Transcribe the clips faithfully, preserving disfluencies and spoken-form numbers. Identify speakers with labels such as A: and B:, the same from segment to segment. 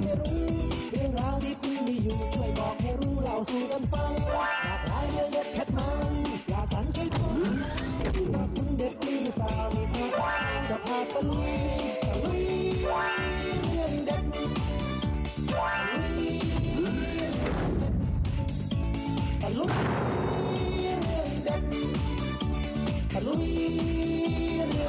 A: ให้รู้เรื่องราวที่คุณมีอยู่ช่วยบอกให้รู้เล่าสู่กันฟังหลากหลายเรื่องเด็ดเผ็ดมันอยากสั่นช่วยทุกว่าคุณเด็ดหรือเปล่ามีพาจะพาตะลุยตะลุยเรื่องเด็ดตะลุยเรื่องเด็ดตะลุยเรื่อง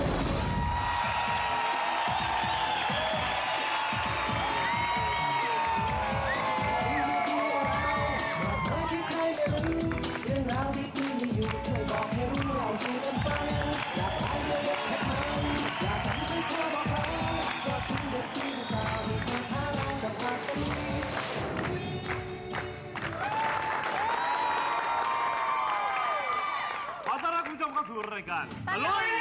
B: รายการตะลุย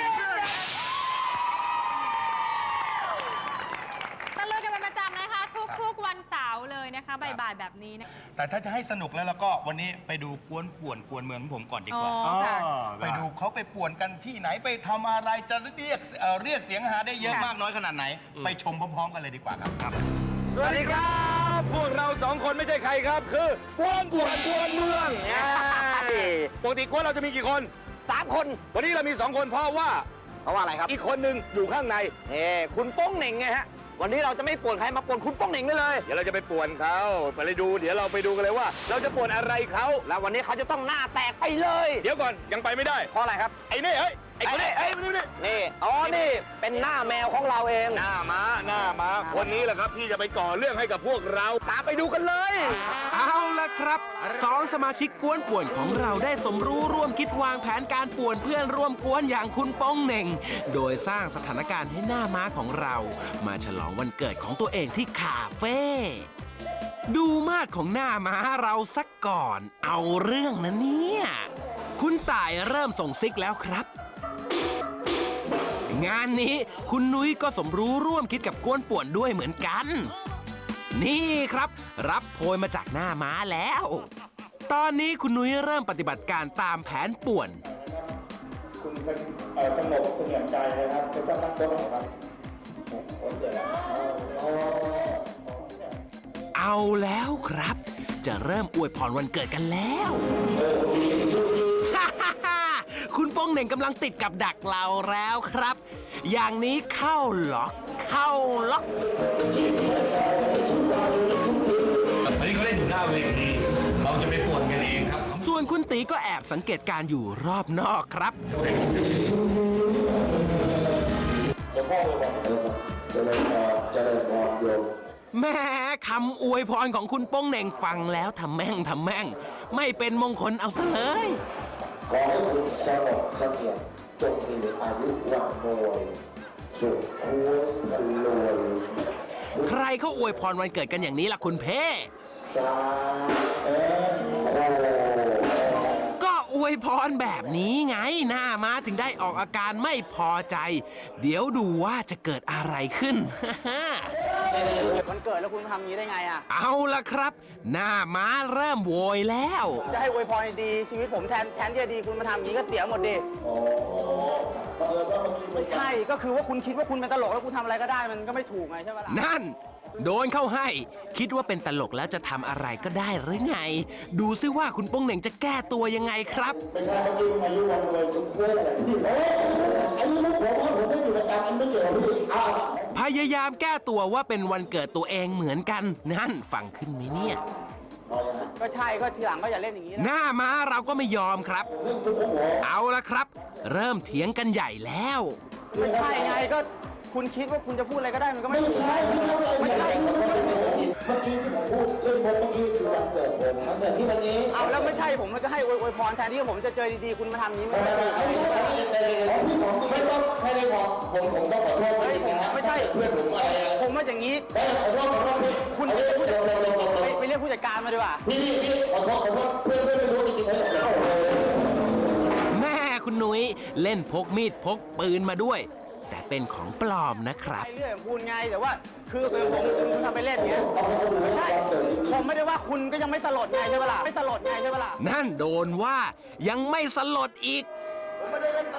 C: ตะลุยกันเป็นประจำนะคะทุกๆวันเสาร์เลยนะคะบ่ายๆแบบนี้นะ
D: แต่ถ้าจะให้สนุกแล้วแล้วก็วันนี้ไปดูกวนป่วนกวนเมืองของผมก่อนดีกว่าไปดูเขาไปป่วนกันที่ไหนไปทำอะไรจะเรียกเรียกเสียงหาได้เยอะมากน้อยขนาดไหนไปชมพร้อมๆกันเลยดีกว่าครับ
B: สวัสดีครับพวกเราสองคนไม่ใช่ใครครับคือกวนป่วนกวนเมืองปกติกวนเราจะมีกี่คน
E: สามคน
B: วันนี้เรามีสองคนเพราะว่า
E: เพราะว่าอะไรครับ
B: อีกคนหนึ่งอยู่ข้างใน
E: เอ้คุณโป้งเหน่งไงฮะวันนี้เราจะไม่ป่วนใครมาป่วนคุณโป้งเหน่งได้เลย
B: เดี๋ยวเราจะไปป่วนเขาไปเลยดูเดี๋ยวเราไปดูกันเลยว่า เราจะป่วนอะไรเขา
E: แล้ววันนี้เขาจะต้องหน้าแตกไปเลย
B: เดี๋ยวก่อนยังไปไม่ได้
E: เพราะอะไรครับ
B: ไอ้นี่เฮ้ยไอ้คนนี้
E: ไอ้นี่นี่อ๋อนี่เป็นหน้าแมวของเราเอง
B: หน้าม้าหน้าม้าคนนี้แหละครับที่จะไปก่อเรื่องให้กับพวกเรา
E: ตามไปดูกันเลย
F: เอาละครับสองสมาชิกกวนป่วนของเราได้สมรู้ร่วมคิดวางแผนการป่วนเพื่อนร่วมกวนอย่างคุณโป้งเหน่งโดยสร้างสถานการณ์ให้หน้าม้าของเรามาฉลองวันเกิดของตัวเองที่คาเฟ่ดูมาดของหน้าม้าเราสักก่อนเอาเรื่องนะเนี่ยคุณต่ายเริ่มส่งซิกแล้วครับงานนี้คุณนุ้ยก็สมรู้ร่วมคิดกับกวนป่วนด้วยเหมือนกันนี่ครับรับโพยมาจากหน้าม้าแล้วตอนนี้คุณนุ้ยเริ่มปฏิบัติการตามแผนป่วน
G: คุณสงบเสงี่ยมใจนะครับจะสร้างนักต้นหรอครับวันเกิดแล้ว
F: เอาแล้วครับจะเริ่มอวยพรวันเกิดกันแล้วคุณโป้งเหน่งกำลังติดกับดักเราแล้วครับอย่างนี้เข้าล็อกเข้าล็อก
B: อันนี้เขาเล่นอยู่หน้าเวทีเราจะไปป่วนกันเองครับ
F: ส่วนคุณตีก็แอบสังเกตการอยู่รอบนอกครับ
G: เดี๋ยวพ่อเลยบอกจะเลยพอจะเลยพอโยม
F: แม่คำอวยพรของคุณโป้งเหน่งฟังแล้วทำแม่งทำแม่งไม่เป็นมงคลเอาซะเลย
G: ขอให้คุณสงบเสงี่ยมจงมีอายุวันโนยสุขคุ้มรวย
F: ใครเขาอวยพรวันเกิดกันอย่างนี้ล่ะคุณเพ่
G: สาเอ็นโค
F: ก็อวยพรแบบนี้ไงหน้าม้าถึงได้ออกอาการไม่พอใจเดี๋ยวดูว่าจะเกิดอะไรขึ้น
E: วันเกิดแล้วคุณทำอย่างนี้ได้ไงอ่ะ
F: เอาล่ะครับหน้าม้าเริ่มโวยแล้ว
E: จะให้อวยพรดีชีวิตผมแทนแทนที่จะดีคุณมาทำอย่างนี้ก็เสียหมดดิ
G: โอ้เออว่าเมื่อกี้
E: ไม่ใช่ก็คือว่าคุณคิดว่าคุณเป็นตลกแล้วคุณทำอะไรก็ได้มันก็ไม่ถูกไงใช่ไหมล่ะ
F: นั่นโดนเข้าให้คิดว่าเป็นตลกแล้วจะทำอะไรก็ได้หรือไงดูซิว่าคุณโป้งเหน่งจะแก้ตัวยังไงครับ
G: ไม่ใช่เมื่อกี้อายุวันรวยสุขคุ้มอะไรพี่โอ้อายุลูกผมผมได้อยู่ประจำอันไม่เกี่ยวกับพี่อ้าว
F: พยายามแก้ตัวว่าเป็นวันเกิดตัวเองเหมือนกันนั่นฟังขึ้นไหมเนี่ย
E: ก็ใช่ก็ทีหลังก็อย่าเล่นอย่างนี้
F: หน้าม้าเราก็ไม่ยอมครับเอาละครับเริ่มเถียงกันใหญ่แล้ว
E: ไม่ใช่ไงก็คุณคิดว่าคุณจะพูดอะไรก็ได้มันก็ไม่
G: ใช่ไม่ใช่เมื่อกี้ที่ผมพูดเรื่องเมื่อกี้คือวันเกิดผมวันเกิดที่วันนี้
E: เอาแล้วไม่ใช่ผมมันก็ให้อวยพรแทนที่ผมจะเจอดีๆคุณมาทำนี้ไม่
G: ใช่ไม่ใช่ของพี่ของไม่ต้องไม่ได้บอกผมผมต้องขอโทษจริงนะ
E: ไม่ใช่
G: เพื่อนผมอะไร
E: ผมมาอย่างนี้
G: ขอโทษขอโทษพี่
E: คุณไปเรียกผู้จัดการมาดีกว่า
G: พี่พี่ขอโทษขอโทษเพื่อนเพื่อนไม่รู้จริง
F: ๆแม่คุณนุ้ยเล่นพกมีดพกปืนมาด้วยแต่เป็นของปลอมนะครับ
E: เรื่องของคุณไงแต่ว่าคือเป็นผมคุณทำไปเล่นเนี้ยไม่ใช่ผมไม่ได้ว่าคุณก็ยังไม่สลดไงใช่ปะล่ะไม่สลดไงใช่ปะล่ะ
F: นั่นโดนว่ายังไม่สลดอีก
G: ผมไม่ได้เล่นต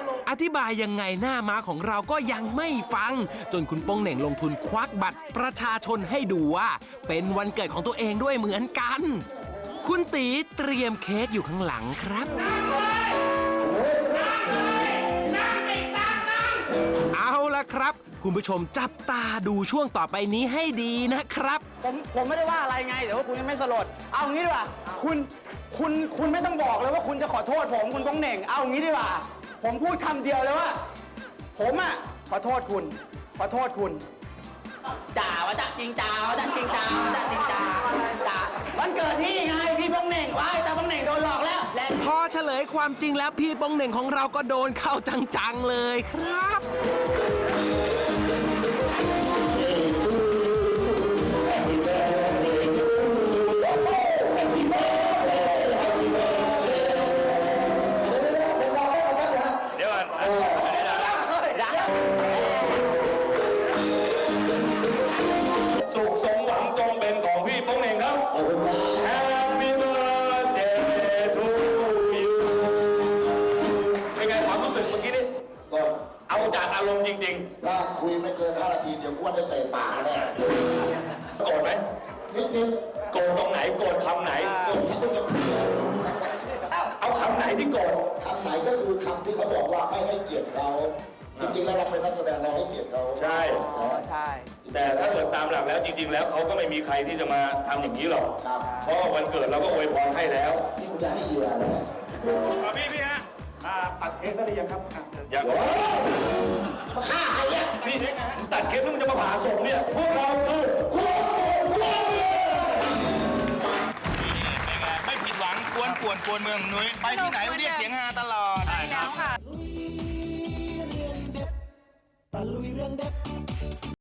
F: อธิบายยังไงหน้าม้าของเราก็ยังไม่ฟัง จนคุณโป้งเหน่งลงทุนควักบัตรประชาชนให้ดูว่า เป็นวันเกิดของตัวเองด้วยเหมือนกัน คุณตีเตรียมเค้กอยู่ข้างหลังครับ เอาละครับ คุณผู้ชมจับตาดูช่วงต่อไปนี้ให้ดีนะครับ
E: ผมผมไม่ได้ว่าอะไรไงแต่ว่าคุณยังไม่สลด เอางี้ดีกว่าคุณคุณคุณไม่ต้องบอกเลยว่าคุณจะขอโทษผมคุณโป้งเหน่ง เอางี้ดีกว่าผมพูดคำเดียวเลยว่า ผมอ่ะขอโทษคุณ ขอโทษคุณจ่าวะจ่าจริงจ่าวะจ่าจริงจ่าวะจ่าจริงจ่าจ่าวันเกิดพี่ไงพี่โป้งเหน่งว้ายแต่โป้งเหน่งโดนหลอกแล้วและ
F: พอเฉลยความจริงแล้วพี่โป้งเหน่งของเราก็โดนเข้าจังๆเลยครับ
B: เดี๋ยวก่อนสุขสมหวังจงเป็นของพี่โป้งเหน่งครับ Happy birthday to you เป็นไงความรู้สึกเมื่อกี้นี่
G: ก็
B: เอาจากอารมณ์จริง
G: ถ้าคุยไม่เกินห้านาทีเดี๋ยวกูว่าได้เตะป่าแน่
B: ๆ โกรธไหม
G: นิดนิด
B: โกรธตรงไหน โกรธคำไหน
G: ๆคนที่ต้องจะ
B: เอาคำไหนที่โกรธ
G: คำไหนก็คือคำที่เขาบอกว่าไม่ให้เกียรติเขาจริงๆแล้วเราเป็นนักแสดงเราให้เกียรติเขา
B: ใช่
E: ใช่
B: แต่ถ้าเกิดตามหลักแล้วจริง ๆ แล้วเขาก็ไม่มีใครที่จะมาทำอย่างนี้หรอก
G: ครับ
B: เพราะว่าวันเกิดเราก็อวยพรให้แล้ว
G: นี่กูจะให้เหยื่อเลย
B: พี่พี่ฮะตัดเค้กได้หรือยังครับยัง
G: โอ้ยมาฆ่าใครเนี่ย
B: พี่ตัดเค้กแล้วมันจะมาผ่าศพเนี่ย พวกเราคือ
G: กูกูกู
D: ไม่ผิดหวังกวนป่วนกวนเมืองนุ้ยไปที่ไหนเรียกเสียงฮาตลอด
C: ใช่แล้วค่ะ
A: ตะลุยเรื่องเด็ด